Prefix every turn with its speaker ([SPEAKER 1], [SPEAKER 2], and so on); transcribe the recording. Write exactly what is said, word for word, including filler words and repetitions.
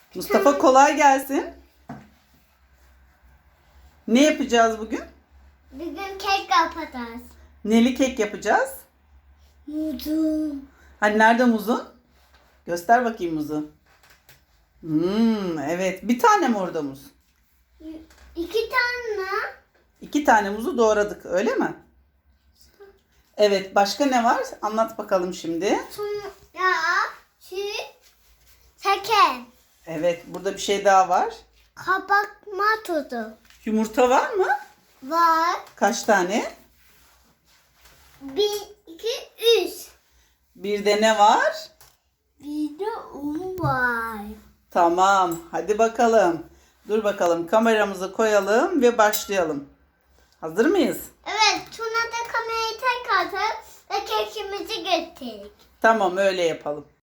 [SPEAKER 1] Mustafa kolay gelsin. Ne yapacağız bugün?
[SPEAKER 2] Bugün kek yapacağız.
[SPEAKER 1] Neli kek yapacağız?
[SPEAKER 2] Muzum.
[SPEAKER 1] Hani nerede muzun? Göster bakayım muzu. Hmm, evet. Bir tane mi orada muz?
[SPEAKER 2] İki tane.
[SPEAKER 1] İki tane muzu doğradık, öyle mi? Evet. Başka ne var? Anlat bakalım şimdi.
[SPEAKER 2] Sonra süt, şeker,
[SPEAKER 1] Evet. Burada bir şey daha var.
[SPEAKER 2] kabartma tuzu
[SPEAKER 1] Yumurta var mı?
[SPEAKER 2] var.
[SPEAKER 1] Kaç tane?
[SPEAKER 2] Bir, iki, üç.
[SPEAKER 1] Bir de ne var?
[SPEAKER 2] Bir de un var.
[SPEAKER 1] Tamam. Hadi bakalım. Dur bakalım. Kameramızı koyalım ve başlayalım. Hazır mıyız?
[SPEAKER 2] Evet, sonra da kamerayı tek atıp ve kekimizi götürdük.
[SPEAKER 1] Tamam, öyle yapalım.